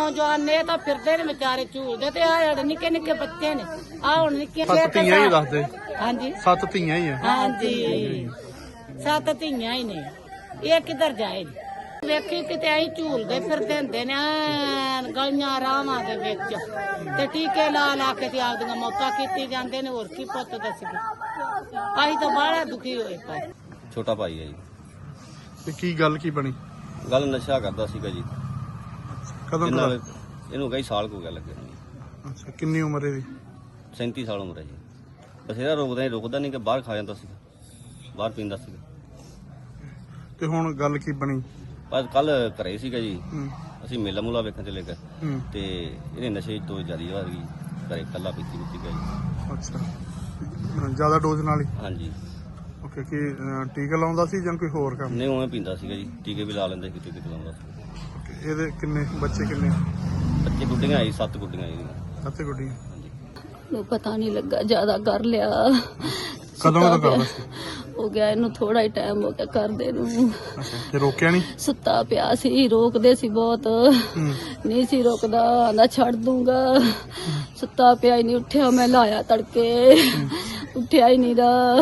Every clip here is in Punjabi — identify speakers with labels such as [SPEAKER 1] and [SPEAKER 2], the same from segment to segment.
[SPEAKER 1] नौजवान ने तो फिरते ने बेचारे झूलते ते आ निक्के निक्के बच्चे ने आ हुण निक्के
[SPEAKER 2] सत्त धीआं ही दस दे।
[SPEAKER 1] हाँ जी
[SPEAKER 2] 7 धीआं ही है।
[SPEAKER 1] हाँ जी 7 धीआं ही ने ये किधर जाए ਵੇਖੀ ਕਿਤੇ ਐਂ ਝੂਲਦੇ ਫਿਰਦੇ ਹੁੰਦੇ ਨੇ ਗਲੀਆਂ ਰਾਵਾਂ ਦੇ ਵਿੱਚ ਤੇ ਟੀਕੇ ਲਾ ਲਾ ਕੇ ਤੇ ਆਪਦੀਆਂ ਮੌਤਾਂ ਕੀਤੀ ਜਾਂਦੇ ਨੇ ਹੋਰ ਕੀ ਪੁੱਤ ਦੱਸਗੇ ਅਸੀਂ ਤਾਂ ਬਾਹਲਾ ਦੁਖੀ ਹੋਏ ਪਏ।
[SPEAKER 3] ਛੋਟਾ ਭਾਈ ਹੈ ਜੀ।
[SPEAKER 2] ਤੇ ਕੀ ਗੱਲ ਕੀ ਬਣੀ?
[SPEAKER 3] ਗੱਲ ਨਸ਼ਾ ਕਰਦਾ ਸੀਗਾ ਜੀ।
[SPEAKER 2] ਕਦੋਂ ਦਾ?
[SPEAKER 3] ਇਹਨੂੰ ਕਈ ਸਾਲ ਹੋ ਗਿਆ ਲੱਗੇ ਨੂੰ।
[SPEAKER 2] ਅੱਛਾ ਕਿੰਨੀ ਉਮਰ ਹੈ ਇਹਦੀ?
[SPEAKER 3] 37 ਸਾਲ ਉਮਰ ਹੈ ਜੀ। ਬਥੇਰਾ ਰੁਕਦਾ ਨਹੀਂ ਕਿ ਬਾਹਰ ਖਾ ਜਾਂਦਾ ਸੀਗਾ, ਬਾਹਰ ਪੀਂਦਾ ਸੀਗਾ।
[SPEAKER 2] ਤੇ ਹੁਣ ਗੱਲ ਕੀ ਬਣੀ?
[SPEAKER 3] ਬਸ ਕੱਲ ਘਰੇ ਸੀਗਾ ਜੀ।
[SPEAKER 2] ਹੂੰ
[SPEAKER 3] ਅਸੀਂ ਮੇਲਾ ਮੂਲਾ ਵੇਖਣ ਚਲੇ ਗਏ
[SPEAKER 2] ਹੂੰ
[SPEAKER 3] ਤੇ ਇਹਨੇ ਨਸ਼ੇ ਤੋਂ ਜ਼ਿਆਦਾ ਹੋ ਗਈ। ਘਰੇ ਕੱਲਾ ਪੀਤੀ ਗਿਆ ਜੀ।
[SPEAKER 2] ਅੱਛਾ ਜ਼ਿਆਦਾ ਡੋਜ਼ ਨਾਲ ਹੀ?
[SPEAKER 3] ਹਾਂਜੀ।
[SPEAKER 2] ਓਕੇ ਕੀ ਟੀਕਾ ਲਾਉਂਦਾ ਸੀ ਜਾਂ ਕੋਈ ਹੋਰ ਕੰਮ?
[SPEAKER 3] ਨਹੀਂ ਉਵੇਂ ਪੀਂਦਾ ਸੀਗਾ ਜੀ। ਟੀਕੇ ਵੀ ਲਾ ਲੈਂਦੇ ਸੀ, ਟੀਕੇ ਲਾਉਂਦਾ ਸੀ।
[SPEAKER 2] ਓਕੇ ਇਹਦੇ ਕਿੰਨੇ ਬੱਚੇ ਕਿੰਨੇ?
[SPEAKER 3] ਬੱਚੇ ਗੁੱਡੀਆਂ ਆਈ 7 ਗੁੱਡੀਆਂ ਆਈ।
[SPEAKER 2] 7 ਗੁੱਡੀਆਂ।
[SPEAKER 3] ਹਾਂਜੀ।
[SPEAKER 4] ਨੂੰ ਪਤਾ ਨਹੀਂ ਲੱਗਾ ਜ਼ਿਆਦਾ ਕਰ ਲਿਆ।
[SPEAKER 2] ਕਦੋਂ ਦਾ ਕਰਦਾ ਸੀ?
[SPEAKER 4] ਹੋ ਗਿਆ ਇਹਨੂੰ ਥੋੜਾ ਹੀ ਟਾਈਮ ਹੋ ਗਿਆ ਕਰਦੇ ਨੂੰ।
[SPEAKER 2] ਅੱਛਾ ਤੇ ਰੋਕਿਆ ਨਹੀਂ?
[SPEAKER 4] ਸੁੱਤਾ ਪਿਆ ਸੀ, ਰੋਕਦੇ ਸੀ ਬਹੁਤ, ਨਹੀਂ ਸੀ ਰੋਕਦਾ, ਆਂਦਾ ਛੱਡ ਦੂੰਗਾ। ਸੁੱਤਾ ਪਿਆ ਹੀ ਨਹੀਂ ਉੱਠਿਆ, ਮੈਂ ਲਾਇਆ ਤੜਕੇ, ਉੱਠਿਆ ਹੀ ਨਹੀਂ ਦਾ,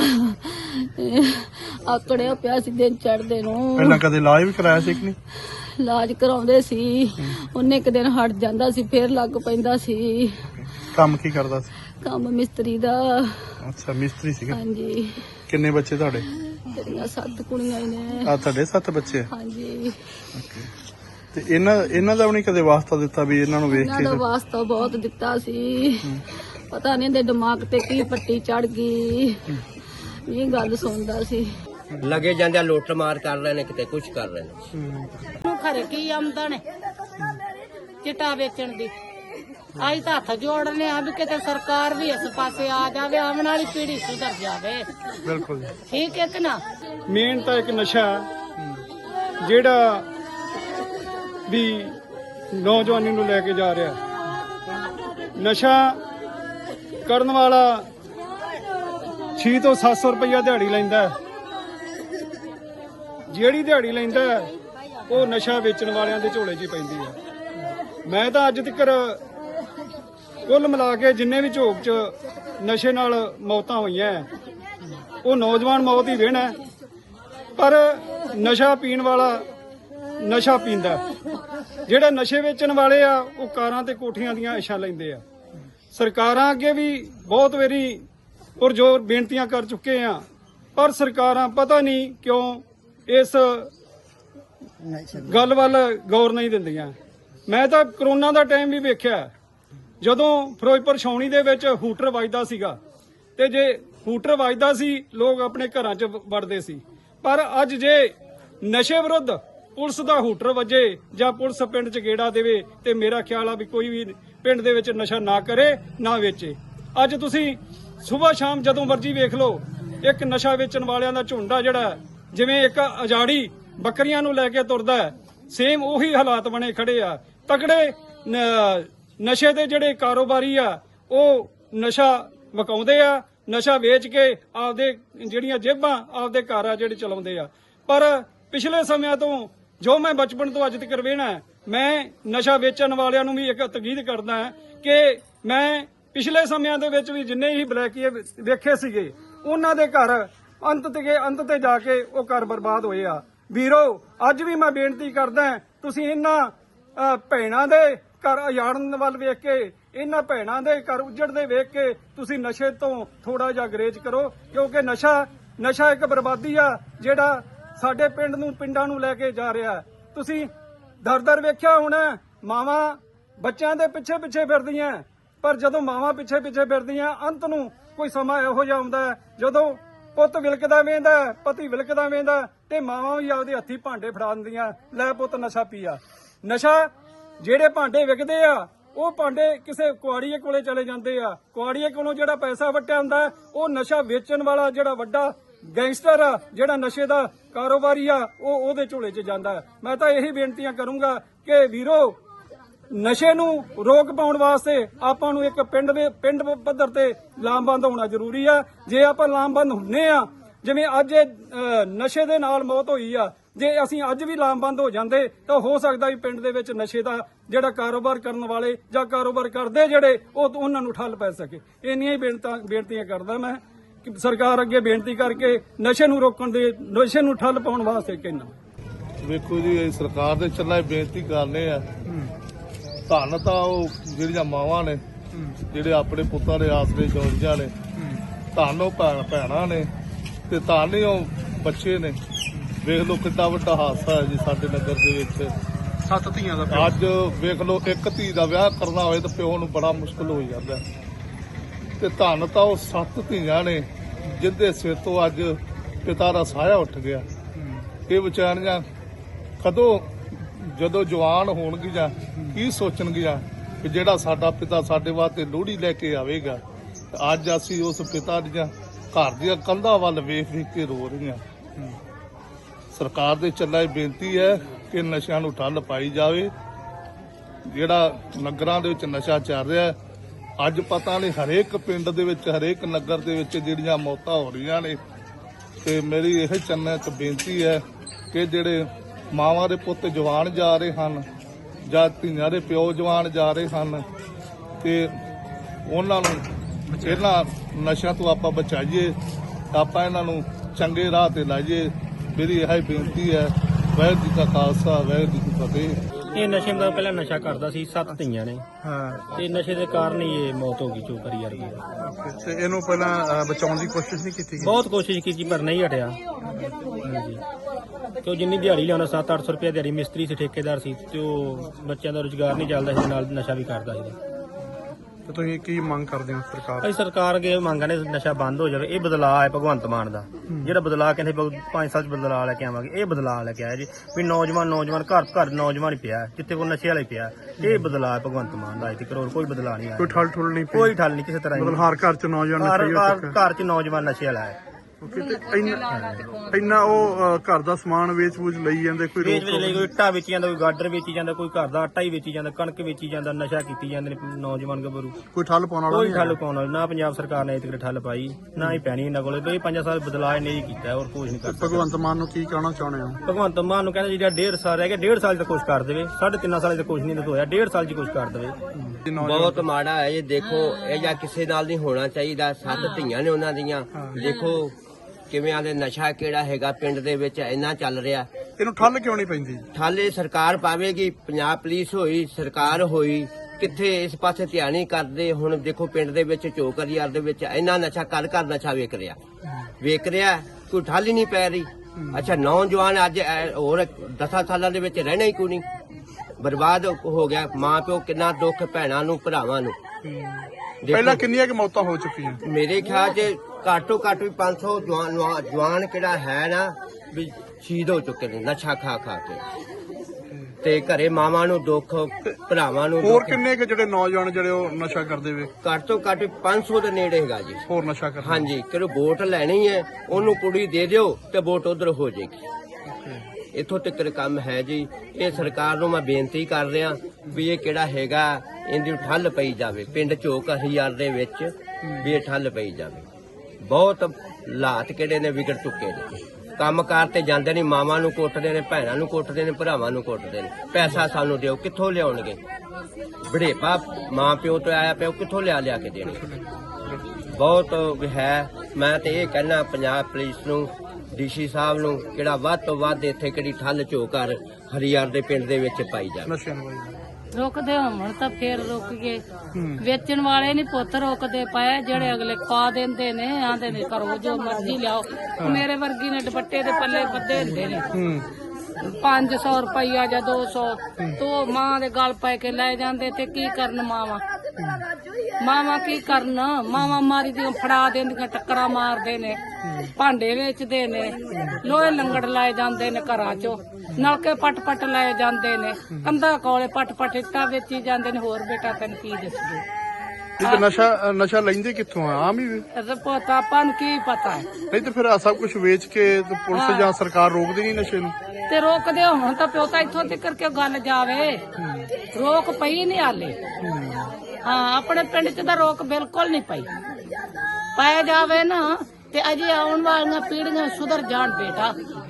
[SPEAKER 4] ਆਕੜਿਆ ਪਿਆ ਸੀ ਦਿਨ ਚੜ੍ਹਦੇ ਨੂੰ।
[SPEAKER 2] ਪਹਿਲਾਂ ਕਦੇ ਇਲਾਜ ਵੀ ਕਰਾਇਆ ਸੀ ਕਿ ਨਹੀਂ?
[SPEAKER 4] ਇਲਾਜ ਕਰਾਉਂਦੇ ਸੀ, ਉਹਨੇ ਇੱਕ ਦਿਨ ਹਟ ਜਾਂਦਾ ਸੀ, ਫੇਰ ਲੱਗ ਪੈਂਦਾ ਸੀ।
[SPEAKER 2] ਕੰਮ ਕੀ ਕਰਦਾ ਸੀ?
[SPEAKER 4] ਕੰਮ ਮਿਸਤਰੀ ਦਾ।
[SPEAKER 2] ਅੱਛਾ ਮਿਸਤਰੀ ਸੀਗਾ।
[SPEAKER 4] ਹਾਂਜੀ।
[SPEAKER 2] ਕਿੰਨੇ ਬੱਚੇ ਤੁਹਾਡੇ?
[SPEAKER 4] ਤੇਰੀਆਂ 7 ਕੁੜੀਆਂ ਹੀ ਨੇ।
[SPEAKER 2] ਆ ਤੁਹਾਡੇ 7 ਬੱਚੇ ਆ?
[SPEAKER 4] ਹਾਂਜੀ।
[SPEAKER 2] ਓਕੇ ਤੇ ਇਹਨਾਂ ਦਾ ਵੀ ਨਹੀਂ ਕਦੇ ਵਾਸਤਾ ਦਿੱਤਾ ਵੀ ਇਹਨਾਂ ਨੂੰ ਵੇਖ
[SPEAKER 4] ਇਹਨਾਂ
[SPEAKER 2] ਕੇ?
[SPEAKER 4] ਦਾ ਵਾਸਤਾ ਬਹੁਤ ਦਿੱਤਾ ਸੀ, ਪਤਾ ਨਹੀਂ ਇਹਦੇ ਦਿਮਾਗ ਤੇ ਕੀ ਪੱਟੀ ਚੜ ਗਈ, ਇਹ ਗੱਲ ਸੁਣਦਾ ਸੀ।
[SPEAKER 5] ਲੱਗੇ ਜਾਂਦੇ ਲੁੱਟ ਮਾਰ ਕਰ ਰਹੇ ਨੇ, ਕਿਤੇ ਕੁਝ ਕਰ ਰਹੇ ਨੇ।
[SPEAKER 1] ਨੂੰ ਖਰੇ ਕੀ ਆਮਦਨ ਚਿੱਟਾ ਵੇਚਣ ਦੀ। ਅਸੀਂ ਤਾਂ ਹੱਥ ਜੋੜਨੇ ਆ ਵੀ ਕਿਤੇ ਸਰਕਾਰ ਵੀ ਇਸ ਪਾਸੇ ਆ ਜਾਵੇ, ਆਉਣ ਵਾਲੀ ਪੀੜ੍ਹੀ ਸੁਧਰ ਜਾਵੇ।
[SPEAKER 2] ਬਿਲਕੁਲ ਜੀ।
[SPEAKER 1] ਠੀਕ ਹੈ ਕਿ ਨਾ?
[SPEAKER 6] ਮੇਨ ਤਾਂ ਇੱਕ ਨਸ਼ਾ ਜਿਹੜਾ ਵੀ ਨੌਜਵਾਨੀ ਨੂੰ ਲੈ ਕੇ ਜਾ ਰਿਹਾ। ਨਸ਼ਾ ਕਰਨ ਵਾਲਾ 6 ਤੋਂ 700 ਰੁਪਇਆ ਦਿਹਾੜੀ ਲੈਂਦਾ। ਜਿਹੜੀ ਦਿਹਾੜੀ ਲੈਂਦਾ ਉਹ ਨਸ਼ਾ ਵੇਚਣ ਵਾਲਿਆਂ ਦੇ ਝੋਲੇ 'ਚ ਹੀ ਪੈਂਦੀ ਹੈ। ਮੈਂ ਤਾਂ ਅੱਜ ਤੱਕ ਕੁੱਲ ਮਿਲਾ ਕੇ ਜਿੰਨੇ ਵੀ ਝੋਕ 'ਚ ਨਸ਼ੇ ਨਾਲ ਮੌਤਾਂ ਹੋਈਆਂ ਉਹ ਨੌਜਵਾਨ ਮੌਤ ਹੀ ਵੇਣਾ। ਪਰ ਨਸ਼ਾ ਪੀਣ ਵਾਲਾ ਨਸ਼ਾ ਪੀਂਦਾ। ਜਿਹੜੇ ਨਸ਼ੇ ਵੇਚਣ ਵਾਲੇ ਆ ਉਹ ਕਾਰਾਂ ਤੇ ਕੋਠੀਆਂ ਦੀਆਂ ਇਸ਼ਾ ਲੈਂਦੇ ਆ। ਸਰਕਾਰਾਂ ਅੱਗੇ ਵੀ ਬਹੁਤ ਵਾਰੀ ਪੁਰਜ਼ੋਰ ਬੇਨਤੀਆਂ ਕਰ ਚੁੱਕੇ ਆ, ਪਰ ਸਰਕਾਰਾਂ ਪਤਾ ਨਹੀਂ ਕਿਉਂ ਇਸ ਗੱਲ ਵੱਲ ਗੌਰ ਨਹੀਂ ਦਿੰਦੀਆਂ। ਮੈਂ ਤਾਂ ਕਰੋਨਾ ਦਾ ਟਾਈਮ ਵੀ ਵੇਖਿਆ, ਜਦੋਂ ਫਿਰੋਜ਼ਪੁਰ ਛਾਉਣੀ ਦੇ ਵਿੱਚ ਹੂਟਰ ਵੱਜਦਾ ਸੀਗਾ ਤੇ ਜੇ ਹੂਟਰ ਵੱਜਦਾ ਸੀ ਲੋਕ ਆਪਣੇ ਘਰਾਂ 'ਚ ਵੜਦੇ ਸੀ। ਪਰ ਅੱਜ ਜੇ ਨਸ਼ੇ ਵਿਰੁੱਧ ਪੁਲਿਸ ਦਾ ਹੂਟਰ ਵੱਜੇ ਜਾਂ ਪੁਲਿਸ ਪਿੰਡ 'ਚ ਗੇੜਾ ਦੇਵੇ ਤੇ ਮੇਰਾ ਖਿਆਲ ਆ ਵੀ ਕੋਈ ਵੀ ਪਿੰਡ ਦੇ ਵਿੱਚ ਨਸ਼ਾ ਨਾ ਕਰੇ, ਨਾ ਵੇਚੇ। ਅੱਜ ਤੁਸੀਂ ਸਵੇਰ ਸ਼ਾਮ ਜਦੋਂ ਮਰਜ਼ੀ ਵੇਖ ਲਓ, ਇੱਕ ਨਸ਼ਾ ਵੇਚਣ ਵਾਲਿਆਂ ਦਾ ਝੁੰਡ ਆ ਜਿਹੜਾ ਜਿਵੇਂ ਇੱਕ ਅਜਾੜੀ ਬੱਕਰੀਆਂ ਨੂੰ ਲੈ ਕੇ ਤੁਰਦਾ ਹੈ, ਸੇਮ ਉਹੀ ਹਾਲਾਤ ਬਣੇ ਖੜੇ ਆ। ਤਕੜੇ ਨਸ਼ੇ ਦੇ ਜਿਹੜੇ ਕਾਰੋਬਾਰੀ ਆ ਉਹ ਨਸ਼ਾ ਵਿਕਾਉਂਦੇ ਆ, ਨਸ਼ਾ ਵੇਚ ਕੇ ਆਪਦੇ ਜਿਹੜੀਆਂ ਜੇਬਾਂ ਆਪਦੇ ਘਰ ਆ ਜਿਹੜੇ ਚਲਾਉਂਦੇ ਆ। ਪਰ ਪਿਛਲੇ ਸਮਿਆਂ ਤੋਂ ਜੋ ਮੈਂ ਬਚਪਨ ਤੋਂ ਅੱਜ ਤੱਕ ਵੇਖਣਾ, ਮੈਂ ਨਸ਼ਾ ਵੇਚਣ ਵਾਲਿਆਂ ਨੂੰ ਵੀ ਇੱਕ ਤਕੀਦ ਕਰਦਾ ਕਿ ਮੈਂ ਪਿਛਲੇ ਸਮਿਆਂ ਦੇ ਵਿੱਚ ਵੀ ਜਿੰਨੇ ਹੀ ਬਲੈਕੀਏ ਵੇਖੇ ਸੀਗੇ ਉਹਨਾਂ ਦੇ ਘਰ ਅੰਤ ਤੇ ਜਾ ਕੇ ਉਹ ਘਰ ਬਰਬਾਦ ਹੋਏ ਆ। ਵੀਰੋ ਅੱਜ ਵੀ ਮੈਂ ਬੇਨਤੀ ਕਰਦਾ, ਤੁਸੀਂ ਇਹਨਾਂ ਭੈਣਾਂ ਦੇ ਘਰ ਉਜਾੜਨ ਵੱਲ ਵੇਖ ਕੇ, ਇਹਨਾਂ ਭੈਣਾਂ ਦੇ ਘਰ ਉਜੜਦੇ ਵੇਖ ਕੇ ਤੁਸੀਂ ਨਸ਼ੇ ਤੋਂ ਥੋੜਾ ਜਿਹਾ ਗਰੇਜ ਕਰੋ, ਕਿਉਂਕਿ ਨਸ਼ਾ ਇੱਕ ਬਰਬਾਦੀ ਆ ਜਿਹੜਾ ਸਾਡੇ ਪਿੰਡਾਂ ਨੂੰ ਲੈ ਕੇ ਜਾ ਰਿਹਾ। ਤੁਸੀਂ ਦਰ ਵੇਖਿਆ ਹੋਣਾ, ਮਾਵਾਂ ਬੱਚਿਆਂ ਦੇ ਪਿੱਛੇ ਫਿਰਦੀਆਂ, ਪਰ ਜਦੋਂ ਮਾਵਾਂ ਪਿੱਛੇ ਫਿਰਦੀਆਂ ਅੰਤ ਨੂੰ ਕੋਈ ਸਮਾਂ ਇਹੋ ਜਿਹਾ ਆਉਂਦਾ ਜਦੋਂ ਪੁੱਤ ਵਿਲਕਦਾ ਵੇਂਦਾ, ਪਤੀ ਵਿਲਕਦਾ ਵੇਂਦਾ ਤੇ ਮਾਵਾਂ ਵੀ ਆਪਦੇ ਹੱਥੀ ਭਾਂਡੇ ਫੜਾ ਦਿੰਦੀਆਂ, ਲੈ ਪੁੱਤ ਨਸ਼ਾ ਪੀਆ। ਨਸ਼ਾ ਜਿਹੜੇ ਭਾਂਡੇ ਵਿਕਦੇ ਆ ਉਹ ਭਾਂਡੇ ਕਿਸੇ ਕੁਆੜੀਏ ਕੋਲੇ ਚਲੇ ਜਾਂਦੇ ਆ। ਕੁਆੜੀਏ ਕੋਲੋਂ ਜਿਹੜਾ ਪੈਸਾ ਵਟਿਆ ਹੁੰਦਾ ਉਹ ਨਸ਼ਾ ਵੇਚਣ ਵਾਲਾ ਜਿਹੜਾ ਵੱਡਾ ਗੈਂਗਸਟਰ ਆ, ਜਿਹੜਾ ਨਸ਼ੇ ਦਾ ਕਾਰੋਬਾਰੀ ਆ, ਉਹਦੇ ਝੋਲੇ 'ਚ ਜਾਂਦਾ। ਮੈਂ ਤਾਂ ਇਹੀ ਬੇਨਤੀਆਂ ਕਰੂੰਗਾ ਕਿ ਵੀਰੋ ਨਸ਼ੇ ਨੂੰ ਰੋਕ ਪਾਉਣ ਵਾਸਤੇ ਆਪਾਂ ਨੂੰ ਇੱਕ ਪਿੰਡ ਪੱਧਰ ਤੇ ਲਾਮਬੰਦ ਹੋਣਾ ਜ਼ਰੂਰੀ ਆ। ਜੇ ਆਪਾਂ ਲਾਮਬੰਦ ਹੁੰਨੇ ਆ, ਜਿਵੇਂ ਅੱਜ ਨਸ਼ੇ ਦੇ ਨਾਲ ਮੌਤ ਹੋਈ ਆ, ਜੇ ਅਸੀਂ ਅੱਜ ਵੀ ਲਾਮਬੰਦ ਹੋ ਜਾਂਦੇ ਤਾਂ ਹੋ ਸਕਦਾ ਵੀ ਪਿੰਡ ਦੇ ਵਿੱਚ ਨਸ਼ੇ ਦਾ ਜਿਹੜਾ ਕਾਰੋਬਾਰ ਕਰਨ ਵਾਲੇ ਜਾਂ ਕਾਰੋਬਾਰ ਕਰਦੇ ਜਿਹੜੇ ਉਹਨਾਂ ਨੂੰ ਠੱਲ ਪੈ ਸਕੇ। ਇੰਨੀਆਂ ਹੀ ਬੇਨਤੀਆਂ ਕਰਦਾ ਮੈਂ ਕਿ ਸਰਕਾਰ ਅੱਗੇ ਬੇਨਤੀ ਕਰਕੇ ਨਸ਼ੇ ਨੂੰ ਰੋਕਣ ਦੇ ਨਸ਼ੇ ਨੂੰ ਠੱਲ ਪਾਉਣ ਵਾਸਤੇ ਕਹਿਣਾ।
[SPEAKER 7] ਵੇਖੋ ਜੀ ਇਹ ਸਰਕਾਰ ਦੇ ਚੱਲਾ ਬੇਨਤੀ ਕਰਨੇ ਆ ਧੰਨ ਤਾਂ ਉਹ ਜਿਹੜੀਆਂ ਮਾਵਾਂ ਨੇ ਜਿਹੜੇ ਆਪਣੇ ਪੁੱਤਾਂ ਦੇ ਆਸਰੇ ਜੋੜੀਆਂ ਨੇ ਧੰਨ ਉਹ ਭੈਣਾਂ ਨੇ ਤੇ ਧੰਨ ਹੀ ਉਹ ਬੱਚੇ ਨੇ। ਵੇਖ ਲਓ ਕਿੰਨਾ ਵੱਡਾ ਹਾਦਸਾ ਹੈ ਜੀ ਸਾਡੇ ਨਗਰ ਦੇ ਵਿੱਚ
[SPEAKER 2] 7 ਧੀਆਂ ਦਾ
[SPEAKER 7] ਅੱਜ ਵੇਖ ਲਓ ਇੱਕ ਧੀ ਦਾ ਵਿਆਹ ਕਰਨਾ ਹੋਵੇ ਤਾਂ ਪਿਓ ਨੂੰ ਬੜਾ ਮੁਸ਼ਕਲ ਹੋ ਜਾਂਦਾ ਤੇ ਧੰਨ ਤਾਂ ਉਹ 7 ਧੀਆਂ ਨੇ ਜਿੰਦੇ ਸਿਰ ਤੋਂ ਅੱਜ ਪਿਤਾ ਦਾ ਸਾਇਆ ਉੱਠ ਗਿਆ। ਇਹ ਵਿਚਾਰੀਆਂ ਕਦੋਂ ਜਦੋਂ ਜਵਾਨ ਹੋਣਗੀਆਂ ਕੀ ਸੋਚਣਗੀਆਂ ਕਿ ਜਿਹੜਾ ਸਾਡਾ ਪਿਤਾ ਸਾਡੇ ਵਾਸਤੇ ਲੋਹੜੀ ਲੈ ਕੇ ਆਵੇਗਾ। ਅੱਜ ਅਸੀਂ ਉਸ ਪਿਤਾ ਦੀਆਂ ਘਰ ਦੀਆਂ ਕੰਧਾਂ ਵੱਲ ਵੇਖ ਕੇ ਰੋ ਰਹੀਆਂ। ਸਰਕਾਰ ਦੇ ਚੱਲਾ ਇਹ ਬੇਨਤੀ ਹੈ ਕਿ ਨਸ਼ਿਆਂ ਨੂੰ ਠੱਲ ਪਾਈ ਜਾਵੇ। ਜਿਹੜਾ ਨਗਰਾਂ ਦੇ ਵਿੱਚ ਨਸ਼ਾ ਚੱਲ ਰਿਹਾ ਅੱਜ ਪਤਾ ਨਹੀਂ ਹਰੇਕ ਪਿੰਡ ਦੇ ਵਿੱਚ ਹਰੇਕ ਨਗਰ ਦੇ ਵਿੱਚ ਜਿਹੜੀਆਂ ਮੌਤਾਂ ਹੋ ਰਹੀਆਂ ਨੇ ਤੇ ਮੇਰੀ ਇਹ ਚੰਨਾ ਚ ਬੇਨਤੀ ਹੈ ਕਿ ਜਿਹੜੇ ਮਾਵਾਂ ਦੇ ਪੁੱਤ ਜਵਾਨ ਜਾ ਰਹੇ ਹਨ ਜਾਂ ਧੀਆਂ ਦੇ ਪਿਓ ਜਵਾਨ ਜਾ ਰਹੇ ਹਨ ਤੇ ਉਹਨਾਂ ਨੂੰ ਇਹਨਾਂ ਨਸ਼ਿਆਂ ਤੋਂ ਆਪਾਂ ਬਚਾਈਏ, ਆਪਾਂ ਇਹਨਾਂ ਨੂੰ ਚੰਗੇ ਰਾਹ ਤੇ ਲਾਈਏ। ਮੇਰੀ ਇਹ ਬੇਨਤੀ ਹੈ। ਵਾਹਿਗੁਰੂ ਜੀ ਕਾ ਖਾਲਸਾ ਵਾਹਿਗੁਰੂ ਜੀ ਕੀ ਫਤਿਹ।
[SPEAKER 8] ਇਹ ਨਸ਼ੇ ਦਾ ਪਹਿਲਾਂ ਨਸ਼ਾ ਕਰਦਾ ਸੀ 7 ਧੀਆਂ ਨੇ ਤੇ ਨਸ਼ੇ ਦੇ ਕਾਰਨ ਹੀ ਇਹ ਮੌਤ ਹੋ ਗਈ ਚੋਕਰੀ ਵਰਗੀ।
[SPEAKER 2] ਤੇ ਇਹਨੂੰ ਪਹਿਲਾਂ ਬਚਾਉਣ ਦੀ ਕੋਸ਼ਿਸ਼ ਨਹੀਂ ਕੀਤੀ ਗਈ?
[SPEAKER 8] ਬਹੁਤ ਕੋਸ਼ਿਸ਼ ਕੀਤੀ ਪਰ ਨਹੀਂ ਹਟਿਆ। ਹਾਂਜੀ ਕਿਉਂ ਜਿੰਨੀ ਦਿਹਾੜੀ ਲਿਆਉਣਾ 700-800 ਰੁਪਏ ਦਿਹਾੜੀ ਮਿਸਤਰੀ ਸੀ ਠੇਕੇਦਾਰ ਸੀ ਤੇ ਉਹ ਬੱਚਿਆਂ ਦਾ ਰੁਜ਼ਗਾਰ ਨਹੀਂ ਚੱਲਦਾ ਸੀ ਨਾਲ ਨਸ਼ਾ ਵੀ ਕਰਦਾ ਸੀ।
[SPEAKER 2] ਤੇ ਤੁਸੀਂ ਕੀ ਮੰਗ ਕਰਦੇ ਹੋ ਸਰਕਾਰ?
[SPEAKER 8] ਅਸੀਂ ਸਰਕਾਰ ਅੱਗੇ ਮੰਗਾਂ ਨੇ ਨਸ਼ਾ ਬੰਦ ਹੋ ਜਾਵੇ। ਇਹ ਬਦਲਾਅ ਹੈ ਭਗਵੰਤ ਮਾਨ ਦਾ ਜਿਹੜਾ ਬਦਲਾਅ ਕਹਿੰਦੇ 5 ਸਾਲ ਚ ਬਦਲਾਅ ਲੈ ਕੇ ਆਵਾਂਗੇ। ਇਹ ਬਦਲਾਅ ਲੈ ਕੇ ਆਇਆ ਜੀ ਵੀ ਨੌਜਵਾਨ ਘਰ ਨੌਜਵਾਨ ਹੀ ਪਿਆ ਜਿੱਥੇ ਕੋਈ ਨਸ਼ੇ ਵਾਲਾ ਹੀ ਪਿਆ। ਇਹ ਬਦਲਾਅ ਭਗਵੰਤ ਮਾਨ ਦਾ ਅੱਜ ਤੱਕ ਕੋਈ ਬਦਲਾਅ ਨਹੀਂ ਆਇਆ।
[SPEAKER 2] ਕੋਈ ਠੱਲ ਠੁੱਲ ਨਹੀਂ ਪਈ?
[SPEAKER 8] ਕੋਈ ਠੱਲ ਨਹੀਂ ਕਿਸੇ ਤਰ੍ਹਾਂ ਦੀ।
[SPEAKER 2] ਮਤਲਬ ਹਰ ਘਰ ਚ ਨੌਜਵਾਨ
[SPEAKER 8] ਘਰ ਚ ਨੌਜਵਾਨ ਨਸ਼ੇ ਵਾਲਾ ਹੈ।
[SPEAKER 2] ਇੰਨਾ ਉਹ ਘਰ ਦਾ ਸਮਾਨ ਵੇਚ-ਵੂਚ ਲਈ ਜਾਂਦੇ ਕੋਈ
[SPEAKER 8] ਵੇਚ ਲਈ ਕੋਈ ਇੱਟਾਂ ਵੇਚੀ ਜਾਂਦਾ, ਕੋਈ ਗਾਡਰ ਵੇਚੀ ਜਾਂਦਾ, ਕੋਈ ਘਰ ਦਾ ਆਟਾ ਹੀ ਵੇਚੀ ਜਾਂਦਾ, ਕਣਕ ਵੇਚੀ ਜਾਂਦਾ, ਨਸ਼ਾ ਕੀਤੀ ਜਾਂਦੇ ਨੇ ਨੌਜਵਾਨ ਗੱਭਰੂ।
[SPEAKER 2] ਕੋਈ ਠੱਲ ਪਾਉਣ ਵਾਲਾ
[SPEAKER 8] ਕੋਈ ਠੱਲ ਪਾਉਣ ਵਾਲਾ ਨਾ ਪੰਜਾਬ ਸਰਕਾਰ ਨੇ ਇਤਨੇ ਠੱਲ ਪਾਈ ਨਾ ਹੀ ਪੈਣੀ ਇਹਨਾਂ ਕੋਲੇ। ਬਈ 5 ਸਾਲ ਬਦਲਾਅ ਨਹੀਂ ਕੀਤਾ ਹੋਰ ਕੁਝ ਨਹੀਂ ਕਰਦਾ।
[SPEAKER 2] ਭਗਵੰਤ ਮਾਨ ਨੂੰ ਕੀ ਕਹਿਣਾ ਚਾਹੁੰਦੇ ਹੋ?
[SPEAKER 8] ਭਗਵੰਤ ਮਾਨ ਨੂੰ ਕਹਿੰਦੇ ਜਿਹੜਾ 1.5 ਸਾਲ ਰਹਿ ਗਿਆ 1.5 ਸਾਲ ਚ ਕੁਝ ਕਰ ਦੇਵੇ। 3.5 ਸਾਲ ਚ ਕੁਝ ਨਹੀਂ ਹੋਇਆ 1.5 ਸਾਲ ਚ ਕੁਝ ਕਰ ਦੇਵੇ।
[SPEAKER 5] ਬਹੁਤ ਮਾੜਾ ਹੈ ਇਹ। ਦੇਖੋ ਇਹ ਜਾਂ ਕਿਸੇ ਨਾਲ ਨਹੀਂ ਹੋਣਾ ਚਾਹੀਦਾ। 7 ਧੀਆਂ ਨੇ ਉਹਨਾਂ ਦੀਆਂ। ਦੇਖੋ ਕਿਵੇਂ ਆਦੇ ਨਸ਼ਾ ਕਿਹੜਾ ਹੈਗਾ ਪਿੰਡ ਦੇ ਵਿੱਚ ਇੰਨਾ ਚੱਲ ਰਿਹਾ।
[SPEAKER 2] ਇਹਨੂੰ ਠੱਲ ਕਿਉਂ ਨਹੀਂ ਪੈਂਦੀ?
[SPEAKER 5] ਠਾਲੇ ਸਰਕਾਰ ਪਾਵੇਗੀ, ਪੰਜਾਬ ਪੁਲਿਸ ਹੋਈ, ਸਰਕਾਰ ਹੋਈ, ਕਿੱਥੇ ਇਸ ਪਾਸੇ ਧਿਆਨ ਨਹੀਂ ਕਰਦੇ। ਹੁਣ ਦੇਖੋ ਪਿੰਡ ਦੇ ਵਿੱਚ ਚੋਕਰ ਯਾਰ ਦੇ ਵਿੱਚ ਇੰਨਾ ਨਸ਼ਾ ਘਰ ਨਸ਼ਾ ਵੇਚ ਰਿਹਾ ਕੋਈ ਠੱਲ ਹੀ ਨਹੀਂ ਪੈ ਰਹੀ। ਅੱਛਾ ਨੌਜਵਾਨ ਅੱਜ ਹੋਰ 10 ਸਾਲਾਂ ਦੇ ਵਿੱਚ ਰਹਿਣਾ ਹੀ ਕੋਈ ਨਹੀਂ, ਬਰਬਾਦ ਹੋ ਗਿਆ। ਮਾਂ ਪਿਓ ਕਿੰਨਾ ਦੁੱਖ ਭੈਣਾਂ ਨੂੰ ਭਰਾਵਾਂ ਨੂੰ।
[SPEAKER 2] ਪਹਿਲਾਂ ਕਿੰਨੀਆਂ ਕਿ ਮੌਤਾਂ ਹੋ ਚੁੱਕੀਆਂ?
[SPEAKER 5] ਮੇਰੇ ਖਿਆਲ 'ਚ ਘੱਟੋ ਘੱਟ ਵੀ 500 ਜਵਾਨ ਕਿਹੜਾ ਹੈ ਨਾ ਵੀ ਸ਼ਹੀਦ ਹੋ ਚੁੱਕੇ ਨੇ ਨਸ਼ਾ ਖਾ ਕੇ। ਤੇ ਘਰੇ ਮਾਵਾਂ ਨੂੰ ਦੁੱਖ ਭਰਾਵਾਂ ਨੂੰ
[SPEAKER 2] ਹੋਰ ਕਿੰਨੇ ਕਿ ਜਿਹੜੇ ਨੌਜਵਾਨ ਜਿਹੜੇ ਉਹ ਨਸ਼ਾ ਕਰਦੇ ਵੇ?
[SPEAKER 5] ਘੱਟ ਤੋਂ ਘੱਟ 500 ਦੇ ਨੇੜੇ ਹੈਗਾ ਜੀ
[SPEAKER 2] ਹੋਰ ਨਸ਼ਾ ਕਰਦੇ।
[SPEAKER 5] ਹਾਂਜੀ ਕਿਹੜਾ ਵੋਟ ਲੈਣੀ ਹੈ ਉਹਨੂੰ ਕੁੜੀ ਦੇ ਦਿਓ ਤੇ ਵੋਟ ਉਧਰ ਹੋ ਜਾਏਗੀ। ਇੱਥੋਂ ਤੱਕ ਕੰਮ ਹੈ ਜੀ। ਇਹ ਸਰਕਾਰ ਨੂੰ ਮੈਂ ਬੇਨਤੀ ਕਰ ਰਿਹਾ ਵੀ ਇਹ ਕਿਹੜਾ ਹੈਗਾ ਇਹਦੀ ਠੱਲ ਪਈ ਜਾਵੇ। ਪਿੰਡ ਝੋਕ ਹਜ਼ਾਰ ਦੇ ਵਿੱਚ ਵੀ ਇਹ ਠੱਲ ਪਈ ਜਾਵੇ। ਬਹੁਤ ਹਾਲਾਤ ਕਿਹੜੇ ਨੇ ਵਿਗੜ ਚੁੱਕੇ ਨੇ। ਕੰਮਕਾਰ ਤੇ ਜਾਂਦੇ ਨਹੀਂ, ਮਾਵਾਂ ਨੂੰ ਕੁੱਟਦੇ ਨੇ, ਭੈਣਾਂ ਨੂੰ ਕੁੱਟਦੇ ਨੇ, ਭਰਾਵਾਂ ਨੂੰ ਕੁੱਟਦੇ ਨੇ। ਪੈਸਾ ਸਾਨੂੰ ਦਿਓ, ਕਿੱਥੋਂ ਲਿਆਉਣਗੇ? ਬੜੇਪਾ ਮਾਂ ਪਿਓ ਤੋਂ ਆਇਆ ਪਿਆ ਕਿੱਥੋਂ ਲਿਆ ਕੇ ਦੇਣਗੇ? ਬਹੁਤ ਹੈ। ਮੈਂ ਤੇ ਇਹ ਕਹਿਣਾ ਪੰਜਾਬ ਪੁਲਿਸ ਨੂੰ, ਡੀਸੀ ਸਾਹਿਬ ਨੂੰ ਕਿਹੜਾ ਵੱਧ ਤੋਂ ਵੱਧ ਇੱਥੇ ਕਿਹੜੀ ਠੱਲ ਝੋਕਰ ਹਰੀਆਰ ਦੇ ਪਿੰਡ ਦੇ ਵਿੱਚ ਪਾਈ ਜਾਵੇ।
[SPEAKER 1] ਰੁਕਦੇ ਹੋਣ ਤਾਂ ਫੇਰ ਰੁਕ ਗਏ। ਵੇਚਣ ਵਾਲੇ ਨਹੀਂ ਪੁੱਤ ਰੁਕਦੇ ਪਏ, ਜਿਹੜੇ ਅਗਲੇ ਪਾ ਦਿੰਦੇ ਨੇ, ਆਂਦੇ ਨੇ ਕਰੋ ਜੋ ਮਰਜ਼ੀ ਲਿਆਓ। ਮੇਰੇ ਵਰਗੀ ਨੇ ਦੁਪੱਟੇ ਦੇ ਪੱਲੇ ਬੱਧੇ ਹੁੰਦੇ ਨੇ 500 ਰੁਪਈਆ ਜਾਂ 200 ਤੋਂ ਮਾਂ ਦੇ ਗਲ ਪੈ ਕੇ ਲੈ ਜਾਂਦੇ। ਤੇ ਕੀ ਕਰਨ ਮਾਵਾਂ ਕੀ ਕਰਨ? ਮਾਵਾਂ ਮਾਰੀ ਦੀਆਂ ਫੜਾ ਦਿੰਦੀਆਂ, ਟੱਕਰਾਂ ਮਾਰਦੇ ਨੇ, ਭਾਂਡੇ ਵੇਚਦੇ ਨੇ, ਲੋਹੇ ਲੰਗੜ ਲਾਏ ਜਾਂਦੇ ਨੇ ਘਰਾਂ ਚੋਂ, ਨਲਕੇ ਪਟ ਲਾਏ ਜਾਂਦੇ ਨੇ, ਕੰਧਾਂ ਕੋਲੇ ਪਟ ਇੱਟਾਂ ਵੇਚੀ ਜਾਂਦੇ ਨੇ। ਹੋਰ ਬੇਟਾ ਤੈਨੂੰ ਕੀ ਦੱਸੂ?
[SPEAKER 2] ਨਸ਼ਾ ਲੈਂਦੇ ਕਿੱਥੋਂ ਆ? ਆਮ ਹੀ
[SPEAKER 1] ਪਤਾ ਆਪਾਂ ਨੂੰ ਕੀ ਪਤਾ ਹੈ?
[SPEAKER 2] ਨਹੀਂ ਤੇ ਫਿਰ ਸਭ ਕੁਝ ਵੇਚ ਕੇ ਤੇ ਪੁਲਿਸ ਜਾਂ ਸਰਕਾਰ ਰੋਕਦੀ ਨਹੀਂ ਨਸ਼ੇ ਨੂੰ?
[SPEAKER 1] ਤੇ ਰੋਕਦੇ ਹੁਣ ਤਾਂ ਪਿਓ ਤਾਂ ਇੱਥੋਂ ਤੱਕ ਕਿ ਗੱਲ ਜਾਵੇ। ਰੋਕ ਪਈ ਨਹੀਂ ਹਾਲੇ। ਹਾਂ ਆਪਣੇ ਪਿੰਡ 'ਚ ਤਾਂ ਰੋਕ ਬਿਲਕੁਲ ਨਹੀਂ ਪਈ। ਪੈ ਜਾਵੇ ਨਾ ਤੇ ਅਜੇ ਆਉਣ ਵਾਲੀਆਂ ਪੀੜ੍ਹੀਆਂ ਸੁਧਰ ਜਾਣ ਬੇਟਾ।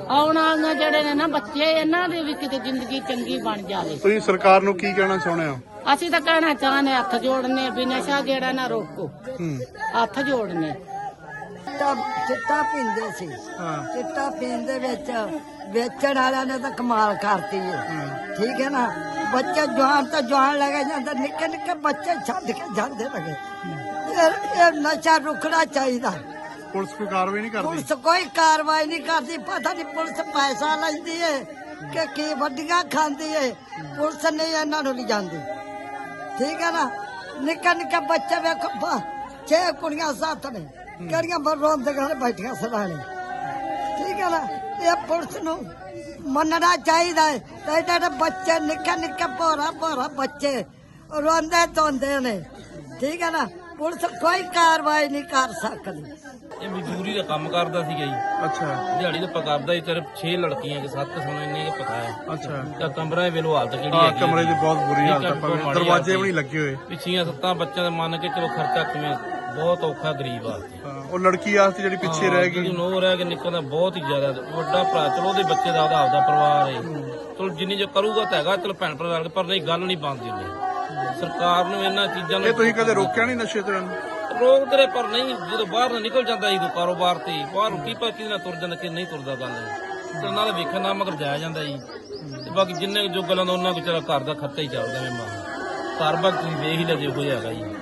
[SPEAKER 1] ਆਉਣ ਵਾਲੀਆਂ ਜਿਹੜੇ ਨੇ ਨਾ ਬੱਚੇ, ਇਹਨਾਂ ਦੇ ਵੀ ਕਿਤੇ ਜ਼ਿੰਦਗੀ ਚੰਗੀ ਬਣ ਜਾਵੇ।
[SPEAKER 2] ਤੁਸੀਂ ਸਰਕਾਰ ਨੂੰ ਕੀ ਕਹਿਣਾ ਚਾਹੁੰਦੇ ਹੋ?
[SPEAKER 1] ਅਸੀਂ ਤਾਂ ਕਹਿਣਾ ਚਾਹੁੰਦੇ, ਹੱਥ ਜੋੜਨੇ ਵੀ ਨਸ਼ਾ ਜਿਹੜਾ ਨਾ ਰੋਕੋ, ਹੱਥ ਜੋੜਨੇ।
[SPEAKER 9] ਚਿੱਟਾ ਪੀਂਦੇ ਸੀ, ਚਿੱਟਾ ਪੀਣ ਦੇ ਵਿੱਚ ਵੇਚਣ ਵਾਲਿਆਂ ਨੇ ਤਾਂ ਕਮਾਲ ਕਰਤੀ ਹੈ। ਠੀਕ ਹੈ ਨਾ, ਬੱਚੇ ਜਵਾਨ ਤਾਂ ਜਵਾਨ ਲੈ ਕੇ ਜਾਂਦੇ, ਨਿੱਕੇ ਨਿੱਕੇ ਬੱਚੇ ਛੱਡ ਕੇ ਜਾਂਦੇ ਲਗੇ। ਇਹ ਨਸ਼ਾ ਰੁਕਣਾ ਚਾਹੀਦਾ।
[SPEAKER 2] ਪੁਲਿਸ ਕੋਈ ਕਾਰਵਾਈ ਨਹੀਂ ਕਰਦੀ?
[SPEAKER 9] ਪੁਲਿਸ ਕੋਈ ਕਾਰਵਾਈ ਨਹੀਂ ਕਰਦੀ। ਪਤਾ ਨਹੀਂ ਪੁਲਿਸ ਪੈਸਾ ਲੈਂਦੀ ਹੈ ਕਿ ਕੀ ਵੱਡੀਆਂ ਖਾਂਦੀ ਹੈ। ਪੁਲਿਸ ਨਹੀਂ ਇਹਨਾਂ ਨੂੰ ਲਿਜਾਂਦੀ। ਠੀਕ ਹੈ ਨਾ, ਨਿੱਕੇ ਨਿੱਕੇ ਬੱਚੇ ਵੇਖੋ, 6 ਕੁੜੀਆਂ 7 ਨੇ, ਕਿਹੜੀਆਂ ਰੋਂਦ ਦੇ ਘਰ ਬੈਠੀਆਂ ਸਦਾਣੇ। ਠੀਕ ਹੈ ਨਾ, ਇਹ ਪੁਲਿਸ ਨੂੰ ਮੰਨਣਾ ਚਾਹੀਦਾ ਹੈ। ਤੇ ਜਿਹੜੇ ਬੱਚੇ ਨਿੱਕੇ ਨਿੱਕੇ ਭੋਰਾ ਬੱਚੇ ਰੋਂਦੇ ਧੋਂਦੇ ਨੇ। ਠੀਕ ਹੈ ਨਾ, ਪੁਲਿਸ ਕੋਈ ਕਾਰਵਾਈ ਨਹੀਂ ਕਰ ਸਕਦੀ।
[SPEAKER 10] ਇਹ ਮਜ਼ਦੂਰੀ ਦਾ ਕੰਮ ਕਰਦਾ ਸੀਗਾ ਜੀ।
[SPEAKER 2] ਅੱਛਾ,
[SPEAKER 10] ਦਿਹਾੜੀ ਦਾ ਪਕਾਰਦਾ ਸੀ। ਸਿਰਫ 6 ਲੜਕੀਆਂ ਕਿ 7 ਸਾਨੂੰ ਇੰਨੇ ਕੁ ਪਤਾ ਹੈ।
[SPEAKER 2] ਅੱਛਾ।
[SPEAKER 10] ਤਾਂ ਕਮਰਾ ਵੇਲੋ ਹਾਲਤ ਜਿਹੜੀ
[SPEAKER 2] ਹਾਂ,
[SPEAKER 10] ਹੈਗੀ
[SPEAKER 2] ਕਮਰੇ ਦੀ ਬਹੁਤ ਬੁਰੀ
[SPEAKER 10] ਠੀਕ
[SPEAKER 2] ਹਾਲਤ
[SPEAKER 10] ਹੈ,
[SPEAKER 2] ਹੈ,
[SPEAKER 10] ਬਹੁਤ ਮਾੜੀ
[SPEAKER 2] ਦਰਵਾਜ਼ੇ
[SPEAKER 10] ਹਾਲਤ
[SPEAKER 2] ਵੀ ਨਹੀਂ ਲੱਗੇ ਹੋਏ।
[SPEAKER 10] ਪਿੱਛੀਆਂ 7 ਬੱਚਿਆਂ ਦਾ ਮੰਨ ਕੇ ਚਲੋ ਖਰਚਾ ਕਿਵੇਂ, ਬਹੁਤ ਔਖਾ ਗਰੀਬ ਆ।
[SPEAKER 2] ਉਹ ਲੜਕੀ ਆਸਤੇ ਜਿਹੜੀ ਪਿੱਛੇ ਰਹਿ ਗਈ,
[SPEAKER 10] ਨੋ ਰਹਿ ਕੇ ਨਿਕਲਦਾ ਬਹੁਤ ਹੀ ਜ਼ਿਆਦਾ। ਵੱਡਾ ਭਰਾ ਚਲੋ ਉਹਦੇ ਬੱਚੇ ਦਾ ਆਪਦਾ ਪਰਿਵਾਰ ਹੈ, ਚਲੋ ਜਿੰਨੀ ਜੋ ਕਰੂਗਾ ਤਾਂ ਹੈਗਾ, ਚਲੋ ਭੈਣ ਭਰਾ ਪਰ ਨਹੀਂ ਗੱਲ ਨਹੀਂ ਬਣਦੀ ਉਹਨੇ। ਸਰਕਾਰ ਨੂੰ ਇਹਨਾਂ ਚੀਜ਼ਾਂ ਨੂੰ
[SPEAKER 2] ਇਹ ਤੁਸੀਂ ਕਦੇ ਰੋਕਿਆ ਨਹੀਂ ਨਸ਼ੇ ਤੋਂ?
[SPEAKER 10] ਰੋਕ ਤੇਰੇ ਪਰ ਨਹੀਂ, ਜਦੋਂ ਬਾਹਰ ਨੂੰ ਨਿਕਲ ਜਾਂਦਾ ਜਦੋਂ ਕਾਰੋਬਾਰ ਤੇ ਬਾਹਰ ਰੋਟੀ ਪਾ ਕਿਹਦੇ ਨਾਲ ਤੁਰ ਜਾਂਦਾ ਕਿ ਨਹੀਂ ਤੁਰਦਾ ਗੱਲ ਤੇ ਨਾਲ ਵੇਖਣ ਨਾਲ ਮਗਰ ਜਾਇਆ ਜਾਂਦਾ ਜੀ। ਤੇ ਬਾਕੀ ਜਿੰਨੇ ਜੋ ਗੱਲਾਂ ਦਾ ਉਹਨਾਂ ਕੋ ਚਲਾ ਘਰ ਦਾ ਖਰਚਾ ਹੀ ਚੱਲਦਾ। ਮੈਂ ਘਰ ਬਾਕੀ ਤੁਸੀਂ ਵੇਖ ਹੀ ਲੈ ਜੇ ਕੋਈ ਹੈਗਾ ਜੀ।